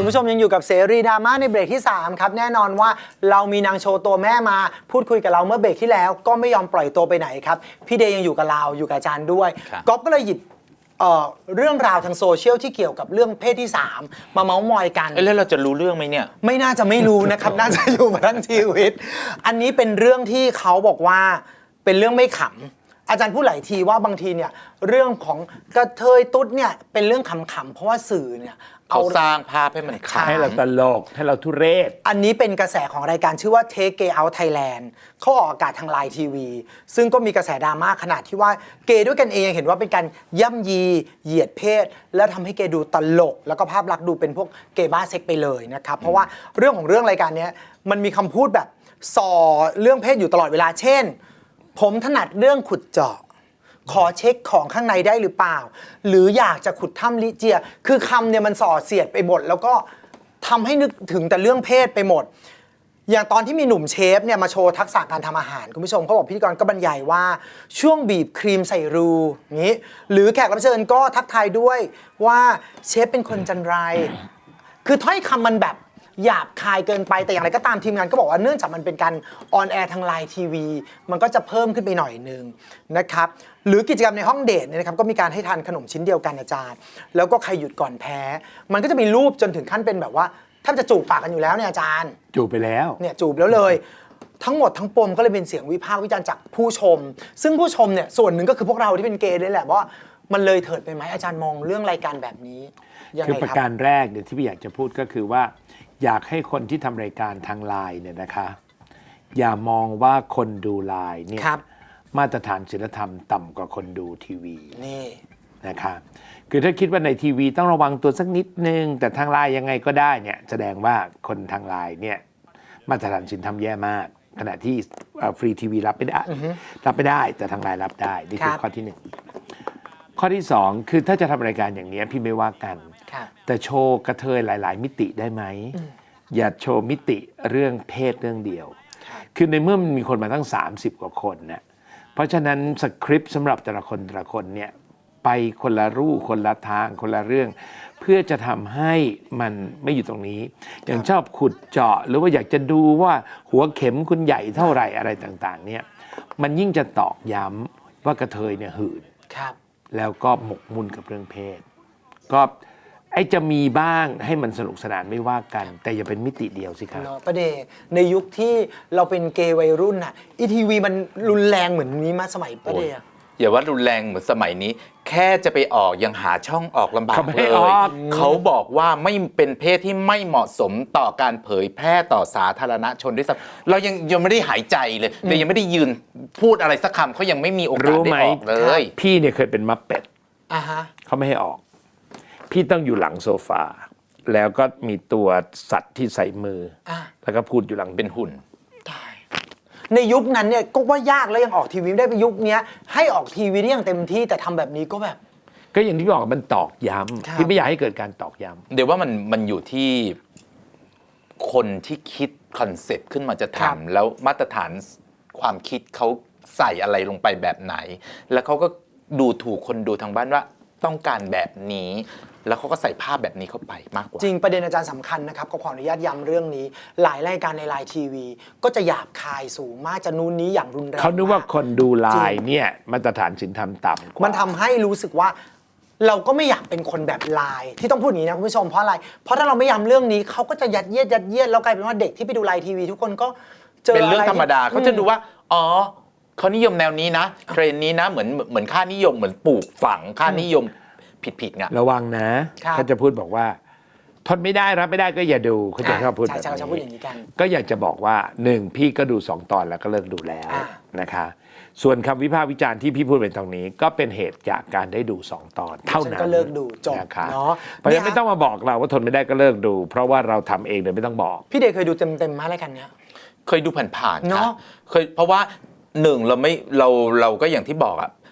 ผู้ชมยังอยู่กับเสรีดราม่าในเบรกที่3ครับแน่นอนว่าเรามีนางโชว์ตัวแม่มาพูดคุยกับเราเมื่อเบรกที่แล้วก็ไม่ยอมปล่อยตัวไปไหนครับพี่เดย์ยังอยู่กับเราอยู่กับอาจารย์ด้วยก๊อฟก็เลยหยิบเรื่องราวทางโซเชียลที่เกี่ยวกับเรื่องเพศที่3มาเมาส์มอยกันแล้วเราจะรู้เรื่องไหมเนี่ยไม่น่าจะไม่รู้นะครับ น่าจะอยู่มาทั้งชีวิตอันนี้เป็นเรื่องที่เขาบอกว่าเป็นเรื่องไม่ขำอาจารย์พูดหลายทีว่าบางทีเนี่ยเรื่องของกระเทยตุ๊ดเนี่ยเป็นเรื่องขำๆเพราะว่าสื่อเนี่ยเขาสร้างภาพให้มันขำให้เราตลกให้เราทุเรศอันนี้เป็นกระแสของรายการชื่อว่า Take Gay Out Thailand เขาออกอากาศทางไลน์ทีวีซึ่งก็มีกระแสดราม่าขนาดที่ว่าเกย์ด้วยกันเองเห็นว่าเป็นการย่ำยีเหยียดเพศและทำให้เกย์ดูตลกแล้วก็ภาพลักษณ์ดูเป็นพวกเกย์บ้าเซ็กไปเลยนะครับเพราะว่าเรื่องของเรื่องรายการนี้มันมีคำพูดแบบส่อเรื่องเพศอยู่ตลอดเวลาเช่นผมถนัดเรื่องขุดเจาะขอเช็คของข้างในได้หรือเปล่าหรืออยากจะขุดถ้ำลิเจียคือคำเนี่ยมันส่อเสียดไปหมดแล้วก็ทำให้นึกถึงแต่เรื่องเพศไปหมดอย่างตอนที่มีหนุ่มเชฟเนี่ยมาโชว์ทักษะการทำอาหารคุณผู้ชมเขาบอกพิธีกรก็บรรยายว่าช่วงบีบครีมใส่รูนี้หรือแขกรับเชิญก็ทักทายด้วยว่าเชฟเป็นคนจันไรคือถ้อยคำมันแบบหยาบคายเกินไปแต่อย่างไรก็ตามทีมงานก็บอกว่าเนื่องจากมันเป็นการออนแอร์ทางไลน์ทีวีมันก็จะเพิ่มขึ้นไปหน่อยนึงนะครับหรือกิจกรรมในห้องเดทเนี่ยนะครับก็มีการให้ทานขนมชิ้นเดียวกันอาจารย์แล้วก็ใครหยุดก่อนแพ้มันก็จะมีรูปจนถึงขั้นเป็นแบบว่าท่านจะจูบปากกันอยู่แล้วเนี่ยอาจารย์จูบไปแล้วเนี่ยจูบแล้วเลยทั้งหมดทั้งปมก็เลยเป็นเสียงวิพากษ์วิจารณ์จากผู้ชมซึ่งผู้ชมเนี่ยส่วนหนึ่งก็คือพวกเราที่เป็นเกย์ด้วยแหละว่ามันเลยเถิดไปไหมอาจารย์มองเรื่องรายการแบบนี้ยังไงครับคือประการแรกเนี่ยที่พี่อยากจะพูดก็คือว่าอยากให้คนที่ทำรายการทางไลน์เนี่ยนะคะอย่ามองว่าคนดูไลน์เนี่ยมาตรฐานศีลธรรมต่ำกว่าคนดูทีวีนี่นะคะคือถ้าคิดว่าในทีวีต้องระวังตัวสักนิดนึงแต่ทางไลน์ยังไงก็ได้เนี่ยแสดงว่าคนทางไลน์เนี่ยมาตรฐานศีลธรรมแย่มากขณะที่ฟรีทีวีรับไม่ได้แต่ทางไลน์รับได้นี่คือข้อที่หนึ่งข้อที่สองคือถ้าจะทำรายการอย่างนี้พี่ไม่ว่ากันแต่โชว์กระเทยหลายๆมิติได้ไหมอย่าโชว์มิติเรื่องเพศเรื่องเดียวคือในเมื่อมันมีคนมาตั้ง30กว่าคนเนี่ยเพราะฉะนั้นสคริปต์สำหรับแต่ละคนเนี่ยไปคนละรูปคนละทางคนละเรื่องเพื่อจะทำให้มันไม่อยู่ตรงนี้อย่างชอบขุดเจาะหรือว่าอยากจะดูว่าหัวเข็มคุณใหญ่เท่าไหร่อะไรต่างๆเนี่ยมันยิ่งจะตอกย้ำว่ากระเทยเนี่ยหื่นแล้วก็หมกมุ่นกับเรื่องเพศก็จะมีบ้างให้มันสนุกสนานไม่ว่ากันแต่อย่าเป็นมิติเดียวสิครับประเดในยุคที่เราเป็นเกย์วัยรุ่นน่ะทีวีมันรุนแรงเหมือนนี้มาสมัยประเดอย่าว่ารุนแรงเหมือนสมัยนี้แค่จะไปออกยังหาช่องออกลำบากเลยเขาบอกว่าไม่เป็นเพศที่ไม่เหมาะสมต่อการเผยแพร่ต่อสาธารณชนด้วยซ้ำเรายังไม่ได้หายใจเลยเรายังไม่ได้ยืนพูดอะไรสักคำเขายังไม่มีโอกาสได้ออกเลยพี่เนี่ยเคยเป็นมัปเป็ดเขาไม่ให้ออกพี่ต้องอยู่หลังโซฟาแล้วก็มีตัวสัตว์ที่ใส่มือแล้วก็พูดอยู่หลังเป็นหุ่นในยุคนั้นเนี่ยก็ว่ายากแล้วยังออกทีวีได้ไปยุคนี้ให้ออกทีวีได้อย่างเต็มที่แต่ทำแบบนี้ก็แบบก็อย่างที่บอกมันตอกย้ำพี่ไม่อยากให้เกิดการตอกย้ำเดี๋ยวว่ามันอยู่ที่คนที่คิดคอนเซ็ปต์ขึ้นมาจะทำแล้วมาตรฐานความคิดเขาใส่อะไรลงไปแบบไหนแล้วเขาก็ดูถูกคนดูทางบ้านว่าต้องการแบบนี้แล้วเขาก็ใส่ภาพแบบนี้เข้าไปมากกว่าจริงประเด็นอาจารย์สำคัญนะครับก็ขออนุญาตย้ำเรื่องนี้หลายรายการในไลน์ทีวีก็จะหยาบคายสูงมากจะนู้นนี้อย่างรุนแรงเขานึกว่าคนดูไลน์เนี่ยมาตรฐานศีลธรรมต่ำกว่ามันทำให้รู้สึกว่าเราก็ไม่อยากเป็นคนแบบไลน์ที่ต้องพูดอย่างนี้นะคุณผู้ชมเพราะอะไรเพราะถ้าเราไม่ย้ำเรื่องนี้เขาก็จะยัดเยียดแล้วกลายเป็นว่าเด็กที่ไปดูไลน์ทีวีทุกคนก็เจอเป็นเรื่องธรรมดาเขาจะดูว่าอ๋อเขานิยมแนวนี้นะเทรนนี้นะเหมือนค่านิยมเหมือนปลูกฝังค่านิยมผิดไงระวังนะเขาจะพูดบอกว่าทนไม่ได้รับไม่ได้ก็อย่าดูเขาจะชอบพูดแบบนี้ก็อยากจะบอกว่า1พี่ก็ดู2 ตอนแล้วก็เลิกดูแล้วนะคะส่วนคำวิพากษ์วิจารณ์ที่พี่พูดเป็นตรงนี้ก็เป็นเหตุจากการได้ดู2 ตอนเท่านั้นก็เลิกดูจบเนาะเพราะฉะนั้นไม่ต้องมาบอกเราว่าทนไม่ได้ก็เลิกดูเพราะว่าเราทำเองเลยไม่ต้องบอกพี่เดชเคยดูเต็มๆมาอะไรกันเนี้ยเคยดูผ่านๆเนาะเคยเพราะว่า1เราก็อย่างที่บอกอะ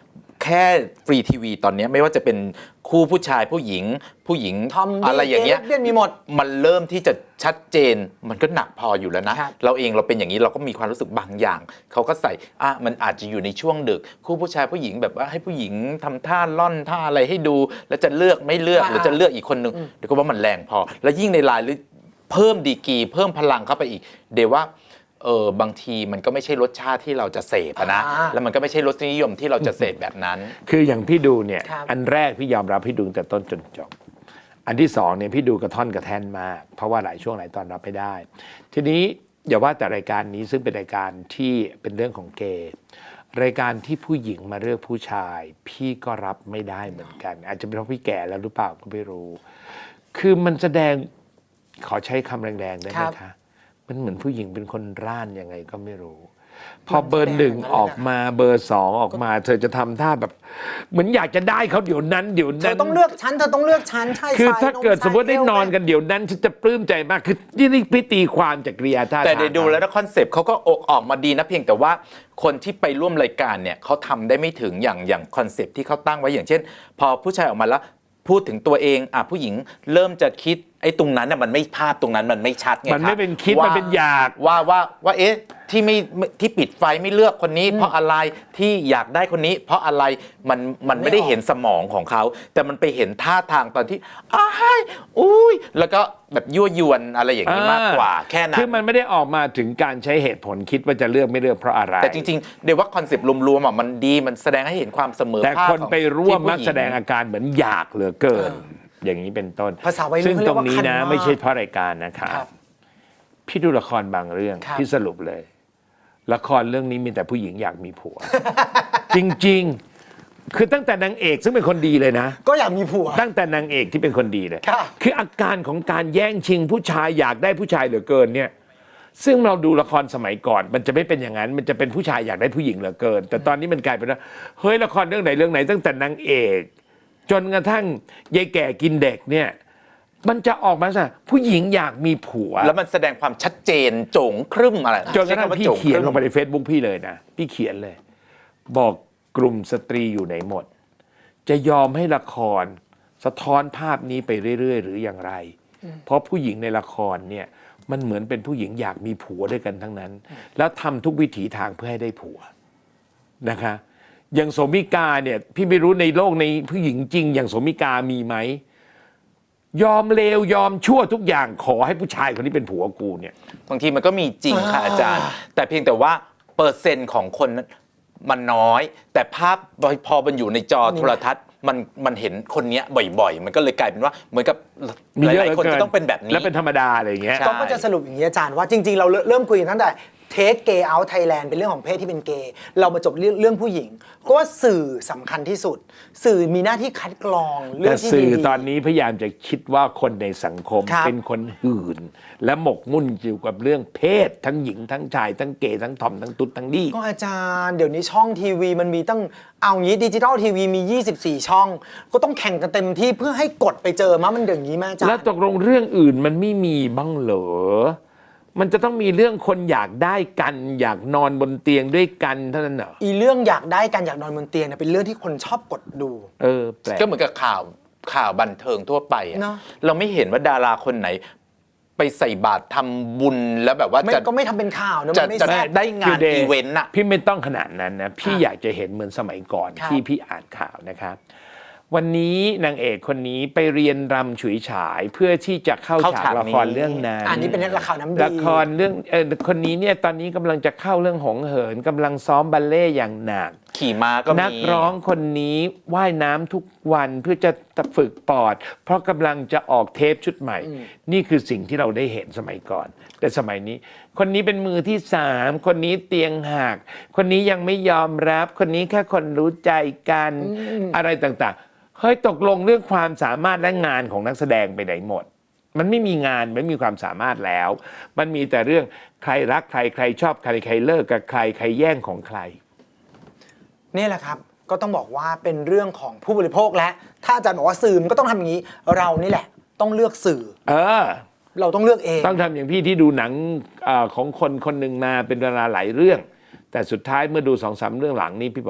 แค่ฟรีทีวีตอนนี้ไม่ว่าจะเป็นคู่ผู้ชายผู้หญิงทอมอะไรอย่างเงี้ยเล่นมีหมดมันเริ่มที่จะชัดเจนมันก็หนักพออยู่แล้วนะครับ เราเองเราเป็นอย่างนี้เราก็มีความรู้สึกบางอย่างเขาก็ใส่มันอาจจะอยู่ในช่วงดึกคู่ผู้ชายผู้หญิงแบบว่าให้ผู้หญิงทำท่าล่อนท่าอะไรให้ดูแล้วจะเลือกไม่เลือกหรือจะเลือกอีกคนนึงเดี๋ยวก็ว่ามันแรงพอแล้วยิ่งในไลน์หรือเพิ่มดีกรีเพิ่มพลังเข้าไปอีกเดี๋ยวว่าบางทีมันก็ไม่ใช่รสชาติที่เราจะเสพนะแล้วมันก็ไม่ใช่รสนิยมที่เราจะเสพแบบนั้นคืออย่างพี่ดูเนี่ยอันแรกพี่ยอมรับพี่ดูแต่ต้นจนจบอันที่สองเนี่ยพี่ดูกระท่อนกระแท่นมากเพราะว่าหลายช่วงหลายตอนรับไม่ได้ทีนี้อย่าว่าแต่รายการนี้ซึ่งเป็นรายการที่เป็นเรื่องของเกย์รายการที่ผู้หญิงมาเลือกผู้ชายพี่ก็รับไม่ได้เหมือนกันอาจจะเป็นเพราะพี่แก่แล้วหรือเปล่าก็ไม่รู้คือมันแสดงขอใช้คำแรงๆได้ไหมคะมันเหมือนผู้หญิงเป็นคนร่านยังไงก็ไม่รู้พอเบอร์หนึ่งออกมาเบอร์สองออกมาเธอจะทำท่าแบบเหมือนอยากจะได้เขาเดี๋ยวนั้นเธอต้องเลือกฉันเธอต้องเลือกฉันใช่คือถ้าเกิดสมมติได้นอนกันเดี๋ยวนั้นฉันจะปลื้มใจมากคือนี่พี่ตีความจากกริยาท่าแต่ได้ดูแล้วคอนเซปต์เขาก็ออกมาดีนะเพียงแต่ว่าคนที่ไปร่วมรายการเนี่ยเขาทำได้ไม่ถึงอย่างคอนเซปต์ที่เขาตั้งไว้อย่างเช่นพอผู้ชายออกมาแล้วพูดถึงตัวเองผู้หญิงเริ่มจะคิดไอ้ตรงนั้นน่ะมันไม่ภาพตรงนั้นมันไม่ชัดไงครับมันไม่เป็นคิดมันเป็นอยากว่าเอ๊ะที่ปิดไฟไม่เลือกคนนี้เพราะอะไรที่อยากได้คนนี้เพราะอะไรมันไม่ได้เห็นสมองของเขาแต่มันไปเห็นท่าทางตอนที่อุ้ยแล้วก็แบบยั่วยวนอะไรอย่างนี้มากกว่าแค่นั้นคือมันไม่ได้ออกมาถึงการใช้เหตุผลคิดว่าจะเลือกไม่เลือกเพราะอะไรแต่จริงๆเดี๋ยวว่าคอนเซปต์รวมๆมันดีมันแสดงให้เห็นความเสมอภาคแต่คนไปร่วมมักแสดงอาการเหมือนอยากเหลือเกินอย่างนี้เป็นต้นภาษาวัยรุ่นซึ่งตรงนี้นะไม่ใช่เพราะรายการนะครับพี่ดูละครบางเรื่องพี่สรุปเลยละครเรื่องนี้มีแต่ผู้หญิงอยากมีผัว จริงๆคือตั้งแต่นางเอกซึ่งเป็นคนดีเลยนะก็อยากมีผัวตั้งแต่นางเอกที่เป็นคนดีเลยคืออาการของการแย่งชิงผู้ชายอยากได้ผู้ชายเหลือเกินเนี่ยซึ่งเราดูละครสมัยก่อนมันจะไม่เป็นอย่างนั้นมันจะเป็นผู้ชายอยากได้ผู้หญิงเหลือเกินแต่ตอนนี้มันกลายเป็นว่าเฮ้ยละครเรื่องไหนตั้งแต่นางเอกจนกระทั่งยายแก่กินเด็กเนี่ยมันจะออกมาซะผู้หญิงอยากมีผัวแล้วมันแสดงความชัดเจนโจ่งครึ่มอะไรจนกระทั่งพี่เขียนลงไปใน Facebook พี่เลยนะพี่เขียนเลยบอกกลุ่มสตรีอยู่ไหนหมดจะยอมให้ละครสะท้อนภาพนี้ไปเรื่อยๆหรืออย่างไรเพราะผู้หญิงในละครเนี่ยมันเหมือนเป็นผู้หญิงอยากมีผัวด้วยกันทั้งนั้นแล้วทำทุกวิถีทางเพื่อให้ได้ผัวนะคะอย่างโสมิกาเนี่ยพี่ไม่รู้ในโลกในผู้หญิงจริงอย่างโสมิกามีไหมยอมเลวยอมชั่วทุกอย่างขอให้ผู้ชายคนนี้เป็นผัวกูเนี่ยบางทีมันก็มีจริงค่ะอาจารย์แต่เพียงแต่ว่าเปอร์เซ็นต์ของคนมันน้อยแต่ภาพพอมันอยู่ในจอโทรทัศน์มันเห็นคนนี้บ่อยๆมันก็เลยกลายเป็นว่าเหมือนกับหลายๆคนจะต้องเป็นแบบนี้และเป็นธรรมดาอะไรอย่างเงี้ยก็จะสรุปอย่างนี้อาจารย์ว่าจริงๆเราเริ่มคุยกันตั้งแต่เทคเกย์เอาท์ไทยแลนด์เป็นเรื่องของเพศที่เป็นเกย์เรามาจบเรื่องผู้หญิงก็ว่าสื่อสำคัญที่สุดสื่อมีหน้าที่คัดกรองเรื่องที่ดีแต่สื่อตอนนี้พยายามจะคิดว่าคนในสังคมเป็นคนหื่นและหมกมุ่นอยู่กับเรื่องเพศทั้งหญิงทั้งชายทั้งเกย์ทั้งทอมทั้งตุ๊ดทั้งดีก็อาจารย์เดี๋ยวนี้ช่องทีวีมันมีตั้งเอางี้ดิจิทัลทีวีมี24ช่องก็ต้องแข่งกันเต็มที่เพื่อให้กดไปเจอมันอย่างนี้แม่อาจารย์แล้วตกลงเรื่องอื่นมันไม่มีบ้างเหรอมันจะต้องมีเรื่องคนอยากได้กันอยากนอนบนเตียงด้วยกันเท่านั้นเหรออีเรื่องอยากได้กันอยากนอนบนเตียงเนี่ยเป็นเรื่องที่คนชอบกดดูแปลกก็เหมือนกับข่าวบันเทิงทั่วไปเราไม่เห็นว่าดาราคนไหนไปใส่บาตรทำบุญแล้วแบบว่าก็ไม่ทำเป็นข่าวนะจะได้งานอีเวนต์อะพี่ไม่ต้องขนาดนั้นนะพี่อยากจะเห็นเหมือนสมัยก่อนที่พี่อ่านข่าวนะครับวันนี้นางเอกคนนี้ไปเรียนรำฉุยฉายเพื่อที่จะเข้าฉากละครเรื่องนั้นอันนี้เป็นละครน้ำดีละครเรื่องคนนี้เนี่ยตอนนี้กำลังจะเข้าเรื่องหงเหินกำลังซ้อมบัลเล่ต์อย่างหนักขี่ม้าก็มีนักร้องคนนี้ว่ายน้ำทุกวันเพื่อจะฝึกปอดเพราะกำลังจะออกเทปชุดใหม่นี่คือสิ่งที่เราได้เห็นสมัยก่อนแต่สมัยนี้คนนี้เป็นมือที่3คนนี้เตียงหักคนนี้ยังไม่ยอมรับคนนี้แค่คนรู้ใจกันอะไรต่างๆเฮ้ยตกลงเรื่องความสามารถและงานของนักแสดงไปไหนหมดมันไม่มีงานไม่มีความสามารถแล้วมันมีแต่เรื่องใครรักใครใครชอบใครใครเลิกกับใครใครแย่งของใครนี่แหละครับก็ต้องบอกว่าเป็นเรื่องของผู้บริโภคและถ้าอาจารย์บอกว่าสื่อมันก็ต้องทำอย่างนี้เรานี่แหละต้องเลือกสื่อเราต้องเลือกเองต้องทำอย่างพี่ที่ดูหนังของคนคนหนึ่งมาเป็นเวลาหลายเรื่องแต่สุดท้ายเมื่อดู2-3 เรื่องหลังนี้พี่บอก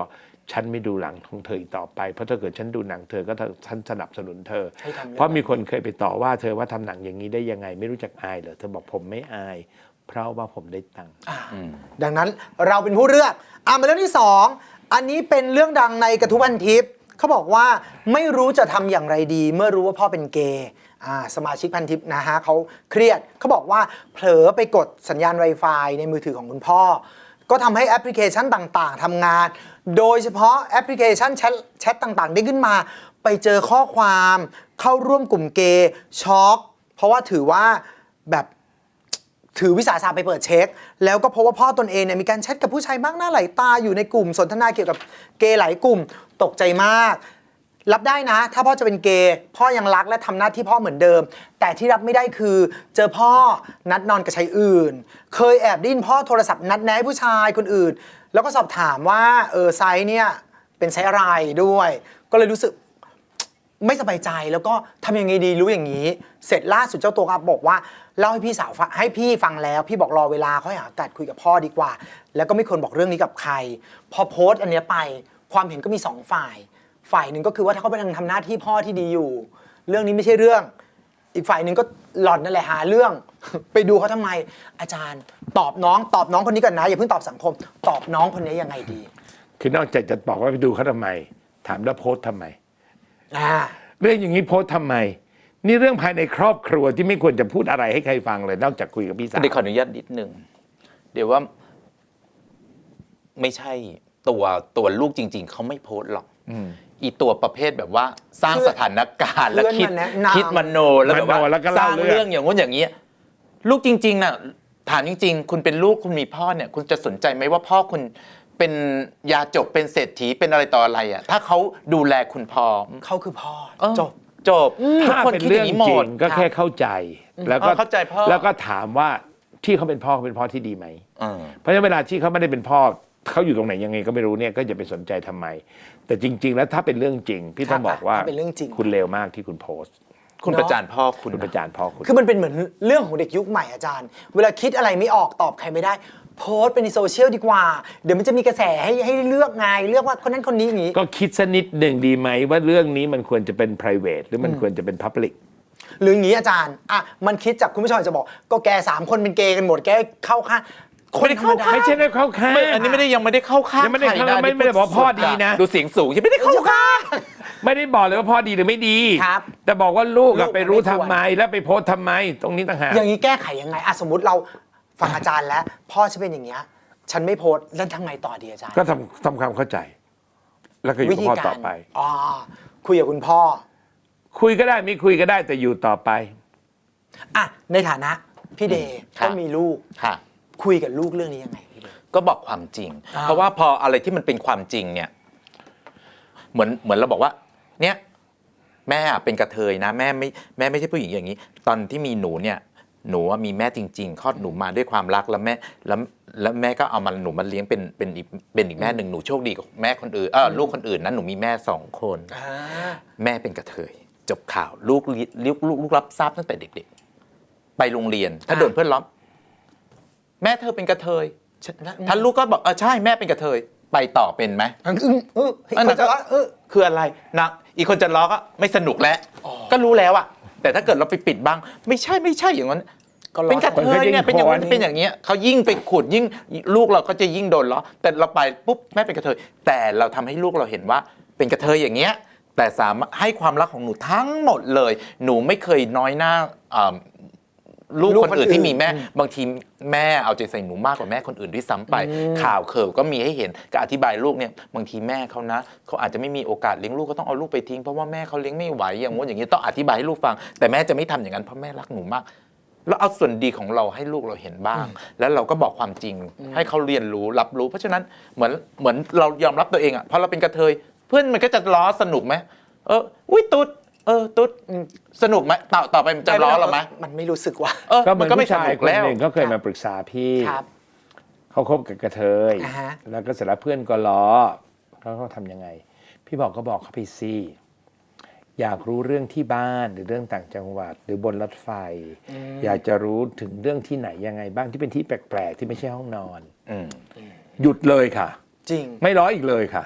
ฉันไม่ดูหลังของเธออีกต่อไปเพราะถ้าเกิดฉันดูหนังเธอก็ฉันสนับสนุนเธอให้ทำเพราะมีคนเคยไปต่อว่าเธอว่าทำหนังอย่างนี้ได้ยังไงไม่รู้จักอายเหรอเธอบอกผมไม่อาย เพราะว่าผมได้ตังค์ดังนั้นเราเป็นผู้เลือกมาเรื่องที่ 2 อันนี้เป็นเรื่องดังในกระทู้พันทิปเขาบอกว่าไม่รู้จะทำอย่างไรดี เมื่อรู้ว่าพ่อเป็นเกย์สมาชิกพันทิปนะฮะเขาเครียดเขาบอกว่าเผลอไปกดสัญญาณ Wi-Fi ในมือถือของคุณพ่อ ก็ทำให้แอปพลิเคชันต่างๆทำงาน โดยเฉพาะแอปพลิเคชันแชทต่างๆได้ขึ้นมา ไปเจอข้อความเข้าร่วมกลุ่มเกย์ช็อกเพราะว่าถือว่าแบบถือวิสาสะไปเปิดเช็ค แล้วก็พบว่าพ่อตนเองเนี่ยมีการแชทกับผู้ชายมากหน้าหลายตาอยู่ในกลุ่มสนทนาเกี่ยวกับเกย์หลายกลุ่มตกใจมาก รับได้นะ ถ้าพ่อจะเป็นเกย์พ่อยังรักและทำหน้าที่พ่อเหมือนเดิม แต่ที่รับไม่ได้คือเจอพ่อนัดนอนกับชายอื่น เคยแอบได้ยินพ่อโทรศัพท์นัดแนะผู้ชายคนอื่น แล้วก็สอบถามว่าไซส์เนี่ยเป็นไซส์อะไรด้วย ก็เลยรู้สึกไม่สบายใจแล้วก็ทำยังไงดีรู้อย่างนี้ เสร็จล่าสุดเจ้าตัวก็บอกว่าเล่าให้พี่สาวฟังให้พี่ฟังแล้วพี่บอกรอเวลาค่อยหาโอกาสคุยกับพ่อดีกว่า แล้วก็ไม่ควรบอกเรื่องนี้กับใคร พอโพสต์อันเนี้ยไปความเห็นก็มี2ฝ่ายหนึ่งก็คือว่าถ้าเขาไปทำหน้าที่พ่อที่ดีอยู่ เรื่องนี้ไม่ใช่เรื่อง อีกฝ่ายหนึ่งก็หล่อนนั่นแหละหาเรื่อง ไปดูเขาทำไมอาจารย์ตอบน้องคนนี้ก่อนนะอย่าเพิ่งตอบสังคม ตอบน้องคนนี้ยังไงดีคือนอกจากจะบอกว่าไปดูเขาทำไม ถามแล้วโพสต์ทำไมอ่าเรื่องอย่างนี้โพสต์ทำไม นี่เรื่องภายในครอบครัวที่ไม่ควรจะพูดอะไรให้ใครฟังเลย นอกจากคุยกับพี่สาวเดี๋ยวขออนุญาตนิดนึงเดี๋ยวว่าไม่ใช่ตัวลูกจริง ๆเขาไม่โพสต์หรอกอีตัวประเภทแบบว่าสร้างสถานการณ์แล้วคิดมโนแล้วแบบว่าสร้างเรื่องอย่างงู้นอย่างนี้ลูกจริงๆน่ะถามจริงๆคุณเป็นลูกคุณมีพ่อเนี่ยคุณจะสนใจไหมว่าพ่อคุณเป็นยาจกเป็นเศรษฐีเป็นอะไรต่ออะไรอ่ะถ้าเขาดูแลคุณพอเขาคือพ่อจบถ้าเป็นเรื่องจริงก็แค่เข้าใจแล้วก็เข้าใจพ่อแล้วก็ถามว่าที่เขาเป็นพ่อที่ดีไหมเพราะฉะนั้นเวลาที่เขาไม่ได้เป็นพ่อเขาอยู่ตรงไหนยังไงก็ไม่รู้เนี่ยก็อย่าไปสนใจทำไม แต่จริง ๆ แล้วถ้าเป็นเรื่องจริงพี่ต้องบอกว่าคุณเลวมากที่คุณโพสต์คุณประจานพ่อคุณประจานพ่อคุณคือมันเป็นเหมือนเรื่องของเด็กยุคใหม่อาจารย์ เวลาคิดอะไรไม่ออกตอบใครไม่ได้ โพสต์เป็นในโซเชียลดีกว่า เดี๋ยวมันจะมีกระแสให้เลือกไงเลือกว่าคนนั้นคนนี้อย่างนี้ก็คิดสักนิดหนึ่งดีไหมว่าเรื่องนี้มันควรจะเป็น private หรือมันควรจะเป็น public หรืออย่างนี้อาจารย์มันคิดจากคุณผู้ชมจะบอกก็แก3คนเป็นเกย์กันหมดแกเข้าข้างไม่ได้เข้าข้างไม่ใช่ได้เข้าข้างอันนี้ยังไม่ได้เข้าข้างยังไม่ได้ใครเข้านะไม่ได้บอกพ่อดีนะดูเสียงสูงยังไม่ได้เข้าข้างไม่ได้บอกเลยว่าพ่อดีหรือไม่ดีครับแต่บอกว่าลูกลูกไปรู้ไม่ควทำรไมแล้วไปโพสต์ทำไมตรงนี้ต่างหากอย่างนี้แก้ไขยังไงสมมติเราฟังอาจารย์แล้ว พ่อฉันเป็นอย่างเงี้ยฉันไม่โพสต์แล้วทำไงต่อดีอาจารย์ก็ทำความเข้าใจ แล้วก็อยู่วิกับธีพ่อการต่อไปคุยกับคุณพ่อคุยก็ได้ไม่คุยก็ได้แต่อยู่ต่อไปในฐานะพี่เดย์ครับก็มีลูกค่ะคุยกับลูกเรื่องนี้ยังไงพี่เดย์ก็บอกความจริง เพราะว่าพออะไรที่มันเป็นความจริงเนี่ยเหมือนเราบอกว่า เนี่ยแม่เป็นกระเทยนะแม่ไม่ใช่ผู้หญิงอย่างนี้ ตอนที่มีหนูเนี่ยหนูมีแม่จริงๆคลอดหนูมาด้วยความรักแล้วแม่ก็เอาหนูมาเลี้ยงเป็นอีกแม่หนึ่งหนูโชคดีกว่าแม่คนอื่นลูกคนอื่นนั้นหนูมีแม่2 คนแม่เป็นกระเทยจบข่าวลูกรับทราบตั้งแต่เด็กๆไปโรงเรียนถ้าโดนเพื่อนล้อมแม่เธอเป็นกระเทยท่านลูกก็บอกใช่แม่เป็นกระเทยไปต่อเป็นไหมอันนั้นก็คืออะไรนะอีกคนจะล้อก็ไม่สนุกแล้วก็รู้แล้วอะแต่ถ้าเกิดเราไปปิดบ้างไม่ใช่อย่างนั้นเป็นกระเทยเนี่ยเป็นอย่างนั้นเป็นอย่างเงี้ยเขายิ่งไปขุดยิ่งลูกเราก็จะยิ่งโดนล้อแต่เราไปปุ๊บแม่เป็นกระเทยแต่เราทำให้ลูกเราเห็นว่าเป็นกระเทยอย่างเงี้ยแต่สามารถให้ความรักของหนูทั้งหมดเลยหนูไม่เคยน้อยหน้าลูกคนอื่นที่มีแม่บางทีแม่เอาใจใส่หนูมากกว่าแม่คนอื่นด้วยซ้ำไปข่าวเขิบก็มีให้เห็นก็อธิบายลูกเนี่ยบางทีแม่เขานะเขาอาจจะไม่มีโอกาสเลี้ยงลูกก็ต้องเอาลูกไปทิ้งเพราะว่าแม่เขาเลี้ยงไม่ไหวอย่างงี้อย่างนี้ต้องอธิบายให้ลูกฟังแต่แม่จะไม่ทำอย่างนั้นเพราะแม่รักหนูมากแล้วเอาส่วนดีของเราให้ลูกเราเห็นบ้าง แล้วเราก็บอกความจริงให้เขาเรียนรู้รับรู้เพราะฉะนั้นเหมือนเรายอมรับตัวเองอ่ะพอเราเป็นกระเทยเพื่อนมันก็จะล้อสนุกไหมอุ้ยตุ๊ดตุ๊ดสนุกไหมต่อไปมันจะล้อเราไหมมันไม่รู้สึกว่าก็เหมือนผู้ชายคนหนึ่งเขาเคยมาปรึกษาพี่เขาคบกับกระเทยแล้วก็เสร็จแล้วเพื่อนก็ล้อเขาทำยังไงพี่บอกเขาไปสิอยากรู้เรื่องที่บ้านหรือเรื่องต่างจังหวัดหรือบนรถไฟอยากจะรู้ถึงเรื่องที่ไหนยังไงบ้างที่เป็นที่แปลกๆที่ไม่ใช่ห้องนอนหยุดเลยค่ะจริงไม่ล้ออีกเลยค่ะ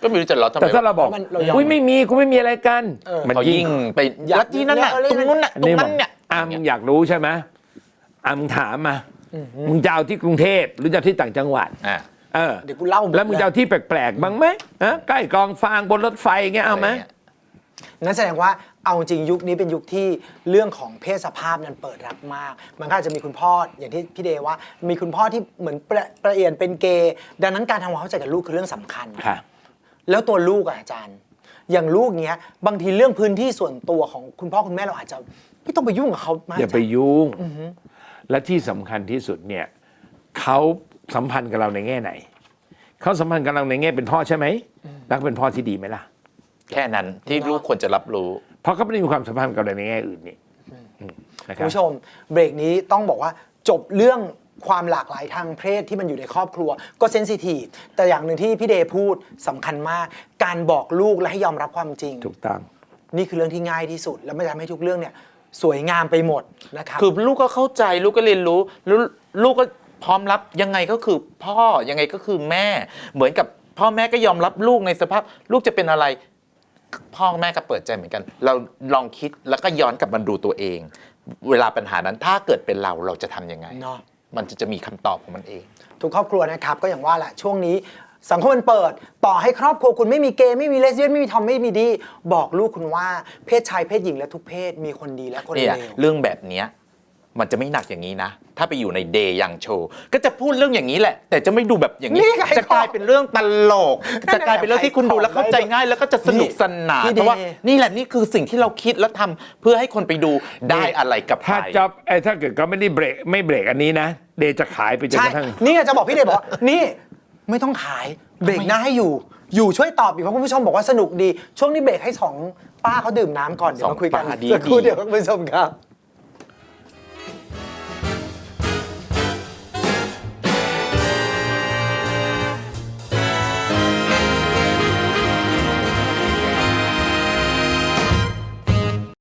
ก็ไม่รู้จะล้อทำไมแต่ถ้าเราบอกเรายอมอุ้ยไม่มีกูไม่มีอะไรกันมันมันยิ่ยิ่งงไปลัทธินั้นน่ะตรงนู้นน่ะตรงนั้นเนี่ยมึงอยากรู้ใช่ไหมมึงถามมามึงจะเอาที่กรุงเทพหรือจะเอาที่ต่างจังหวัดอ่ะเดี๋ยวกูเล่าหดแล้วมึงจะเอาที่แปลกๆบ้างไหมใกล้กองฟางบนรถไฟเงี้ยเอาไหมนั่นแสดงว่าเอาจริงยุคนี้เป็นยุคที่เรื่องของเพศสภาพนั้นเปิดรับมาก มันก็อาจจะมีคุณพ่ออย่างที่พี่เดย์ว่า มีคุณพ่อที่เหมือนประเอียนเป็นเกย์ดังนั้นการทำความเข้าใจกับลูกคือเรื่องสำคัญค่ะแล้วตัวลูกอาจารย์ อย่างลูกเนี้ยบางทีเรื่องพื้นที่ส่วนตัวของคุณพ่อคุณแม่เราอาจจะไม่ต้องไปยุ่งกับเขามากอย่าไปยุ่งและที่สำคัญที่สุดเนี่ยเขาสัมพันธ์กับเราในแง่ไหนเขาสัมพันธ์กับเราในแง่เป็นพ่อใช่ไหมแล้วเป็นพ่อที่ดีไหมล่ะแค่นั้นที่ลูกควรจะรับรู้เพราะเขาไม่ได้มีความสัมพันธ์กับเราในแง่อื่นนี่นะคคุรับณผู้ชมเบรกนี้ต้องบอกว่าจบเรื่องความหลากหลายทางเพศที่มันอยู่ในครอบครัวก็เซนซิทีฟแต่อย่างหนึ่งที่พี่เดย์พูดสำคัญมาก การบอกลูกและให้ยอมรับความจริงถูกต้องนี่คือเรื่องที่ง่ายที่สุด แล้วมันจะทำให้ทุกเรื่องเนี่ยสวยงามไปหมดนะครับคือลูกก็เข้าใจลูกก็เรียนรู้แล้วลูกก็พร้อมรับยังไงก็คือพ่อยังไงก็คือแม่ เหมือนกับพ่อแม่ก็ยอมรับลูกในสภาพลูกจะเป็นอะไร พ่อแม่ก็เปิดใจเหมือนกัน เราลองคิดแล้วก็ย้อนกลับมาดูตัวเอง เวลาปัญหานั้นถ้าเกิดเป็นเราจะทำยังไงเนาะมันจะมีคำตอบของมันเองทุกครอบครัวนะครับก็อย่างว่าแหละช่วงนี้สังคมมันเปิดต่อให้ครอบครัวคุณไม่มีเกย์ไม่มีเลสเบี้ยนไม่มีทอมไม่มีดีบอกลูกคุณว่าเพศชายเพศหญิงและทุกเพศมีคนดีและคนเนี่เลย วเรื่องแบบเนี้ยมันจะไม่หนักอย่างนี้นะ ถ้าไปอยู่ในเดย์ยังโชว์ก็จะพูดเรื่องอย่างนี้แหละ แต่จะไม่ดูแบบอย่างนี้นี่ไงจะกลายเป็นเรื่องตลกจะกลายเป็นเรื่องที่คุณดูแล้วเข้าใจง่ายแล้วก็จะสนุกสนานพี่เพราะว่าเดย์นี่แหละนี่คือสิ่งที่เราคิดแล้วทำเพื่อให้คนไปดูได้อะไรกับใครถ้าจ็อบถ้าเกิดเขาไม่ได้เบรกไม่เบรกอันนี้นะเดย์จะขายไปจนใช่กระทั่งนี่ไงจะบอกพี่เดย์บอกว่านี่ไม่ต้องขายเบรกหน้าให้อยู่ช่วยตอบอีกเพราะคุณผู้ชมบอกว่าสนุกดีช่วงนี้เบรกให้สองป้าเขาดื่มน้ำก่อนเดี๋ยวมาคุยกันสองป้าดีสักครู่เดี๋ยวคุณผู้ชมครับ